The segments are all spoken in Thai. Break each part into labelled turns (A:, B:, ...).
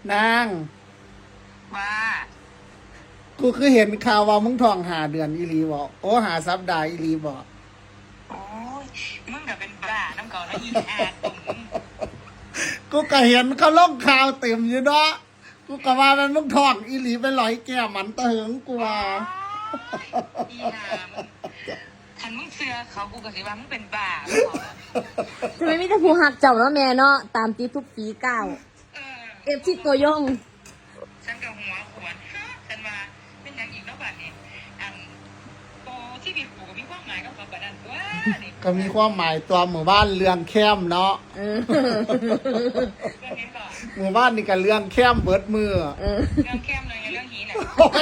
A: นาง
B: ว่า
A: กูคือเห็นข่าวว่ามึงท้อง5 เดือนอีหลีบอกโอ้5 สัปดาห์อีหลีบอก
B: โอ้ยมึงก็เป็นบ้าน้ำเก่าแล้วอีอาตุ่ม
A: กูก็เห็นเขาลงข่าวเต็มอยู่เนาะกูก็ว่ามันมึงท้องอีหลีไปลอยแก้มันเถิงกูว่า
B: อีหามคันมึงเสือเขากูก็สิว่ามึงเป็นบ้า
C: ทำไมมีแต่ผู้หักเจ้าเนาะแม่เนาะตามตีทุกปีก้าวเอฟซีตัวยง
B: ฉันกับหัวขวนฉันมาเป็นอย่างอีกแล้วบัดนี้โตที่มีกูก็มีความหมายกับเขาบัดนั้นว่านี่
A: ก็มีความหมายตัวหมู่บ้านเรื่องแคมเนาะ
B: เรื่องนี้ก่อน
A: หมู่บ้านนี่ก็เรื่องแคมเบิดมือ
B: เรื่องเข้มเลยเรื่องหีน่ะ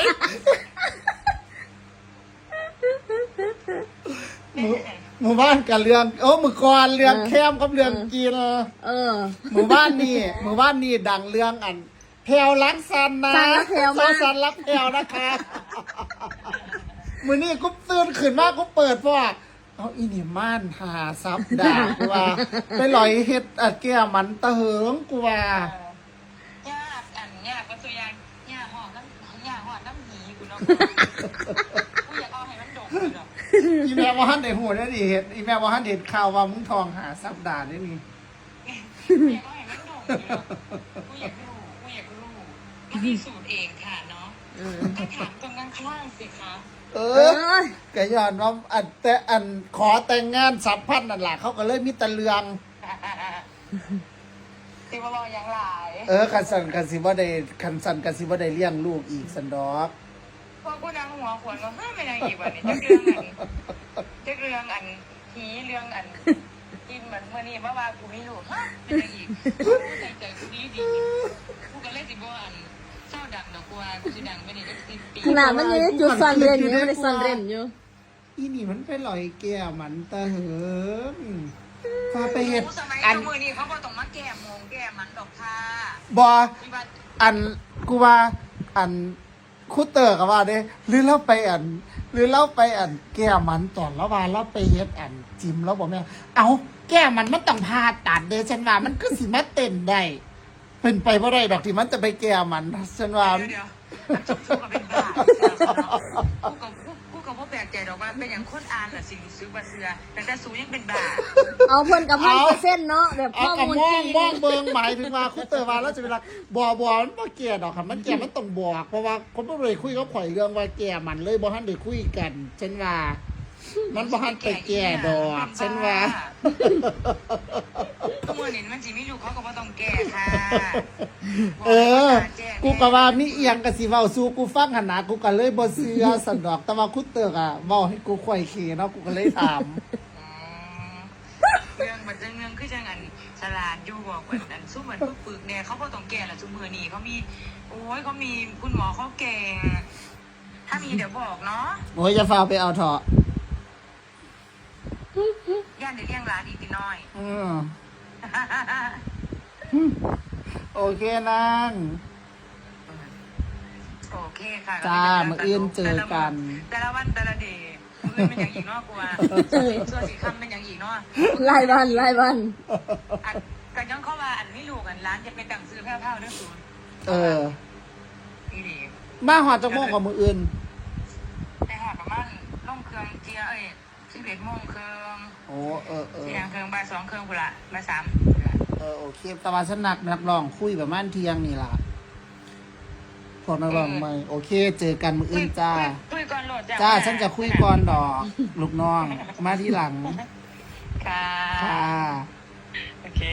A: หมู่บ้านกับเรื่องมือก่อนเรื่องแคมกับเรื่องกินหมู่บ้านนี่ดังเรื่องอันแพรวรักสันนะสันรักแพรวนะคะมือนี่กูตื่นขึ้นมากูเปิดเพราะว่าเอาอีนี่ม่านหาซับด่ากูว่าไปลอยเฮ็ดแก้มันเถิงกูว่า
B: ย่าก็ตัวยางย่าหอดน้ำหีกูเนาะกูอยากเอาให้มันดกเลยหรอ
A: อีแม่ว่าฮันได้หัวได้ดิเห็นอีแม่ว่าฮันเด็ดข่าวว่ามึงทองหาซับด่าได้นี่
B: อยากเอาให้มันดกเลยหรอกูอยากรู้มันมีสูตรเองค่ะเนาะถ้าถามตรงข้างสิคะ
A: ก็ย้อนว่าอันขอแต่งงาน3,000นั่นแหละเขาก็เลยมีตะเลือง
B: สิบ่รออย่างหลาย
A: คันสันกันสิบ่ได้เลี้ยงลูกอีกสันดอก
B: พอกูนางหัวขวนก็ห้ามไม่นางอีกวันนี้จะเรื่องอันผีเรื่องอันกินเหมือนเมื่อนี้ว่ากูไม่รู้ห้ามไม่นางอีกกูใจกูดีกูก็เลยสิบ่อันเศร้าดังดอกกูกูสิดังไม่ได้10 ปี
C: ขนาดมันยังจุดซ่อนเร้นอยู่ไม่ได้ซ่อนเร้นอยู่
A: อีนี่มันไปลอยแก้มันตะเหิงพาไปเฮ็ด
B: อันมือนี้เขาบอกต้องมาแก้มงแก้มันดอกค่ะ
A: บ่อันกูว่าอันคุเตอร์ก็ว่าเด้หรือเราไปแก้มันตอนแล้วว่าเราไปเฮ็ดจิมแล้วบ่แม่เอาแก้มันต้องผ่าตัดเด้ฉันว่ามันก็สิมาเต้นได้เป็นไปบ่ได้ดอกที่มันจะไปแก้มันฉันว่า
B: เดี๋ยวกูก็เป็นบ้ากูก็บ่แปลกใจดอกว่าเป็นอย่างคนอ่านล่ะสิซื้อบ่เชื่อแต่สูยังเป็นบ้า
C: เอาเพิ่นกับ1,000%เนาะแบบข้อมูล
A: จริงมองเบิ่งหมายถึงว่าคุเตอร์ว่าแล้วจะเวลาบ่มันบ่แก้ดอกค่ะมันแก้มันต้องบอกเพราะว่าคนบ่ได้คุยกับข่อยเรื่องว่าแก้มันเลยบ่ทันได้คุยกันฉันว่ามันบ่ทันไปแก้ดอกฉันว่า
B: เมื่อนี้มันสิมีลูกเขาก็บ่ต้องแก้ค่ะ
A: กูก็ว่ามีเอียงก็สิเว้าสู่กูฟังหั่นน่ะกูก็เลยบ่เชื่อสันดอกแต่ว่าคุเตอร์อ่ะเว้าให้กูค่อยเคเนาะกูก็เลยถาม
B: เรื่องมันจะเรื่องคือจังอันฉลาดอยู่บอกเหมือนอันสู้เหมือนปึกเนี่ยเขาบ่ต้องแก้ละซุมื้อนี้เขามีเขามีคุณหมอเขาเก่งถ้ามีเดี๋ยวบอกเนาะ
A: โอ้ยจะฟ้าไปเอาเถาะ
B: ย่านเดี๋ยวเลี้ยงหลานอีกน้อย
A: โอเคนาง
B: โอเคค่ะ
A: จ้ามื้ออื่นเจอกัน
B: แต่ละวันแต่ละเดย์มื้อเป็นอย่างอีกเนาะกูว่าส่วนสีคำเป็นอย่างอีกเนาะ
C: รายวัน
B: แต่ยังเข้ามาอันนี้ลูกอันร้านจะเป็นดังซื้อแพ้วๆด้วยศูนย์นี่
A: มาหอดจักโมงกับมื้ออื่น
B: ไปหอดประมาณล่องเครื่องเจีย11 โมงครึ่งเที่ยงครึ่งบ่าย 2 ครึ่งพุ่นละบ่าย 3
A: โอเคแต่ว่าฉันนักร้องคุยประมาณเที่ยงนี่ล่ะพวกนักร้องใหม่โอเคเจอกันมื้ออื่นจ้า
B: คุยก่อนโหลด
A: จ้าฉันจะคุยก่อนดอกลูกน้องมาทีหลัง
B: ค่ะโอเค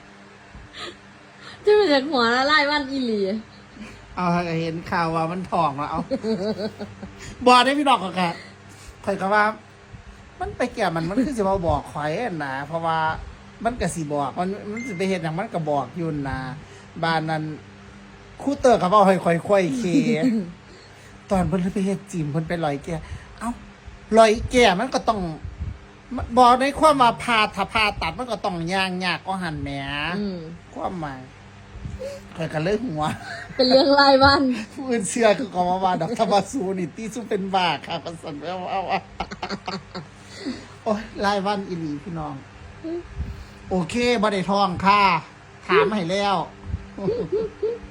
C: จะมาจากหัวละลายวันอีหลี
A: เอาเห็นข่าวว่ามันท้องแล้วเอาบ่ได้พี่ดอกก็ค่ะข่อยก็ว่ามันไปแก่มันคือสิมาบอกข่อยนะเพราะว่ามันก็สิบอกมันสิไปเฮ็ดหยังมันก็บอกอยู่นะบ้านนั้นครูเตอร์ก็เว้าให้ค่อยๆเคตอนเพิ่นไปเฮ็ดจิมเพิ่นไปลอยแก่เอ้าลอยแก่มันก็ต้องบอกในความว่าผ่าตัดมันก็ต้องย่างยากก็หั่นแหมความหมายข่อยก็เลยหัว
C: เป็นเรื่องรายวัน
A: ผู้อื่นเชื่อคือก็ว่าดอกธรรมสูนี่ติซุเป็นบ้าค่ะก็สั่นเอาโอ้ยรายวันอีหลีพี่น้องโอเคบ่ได้ท้องค่ะถามให้แล้ว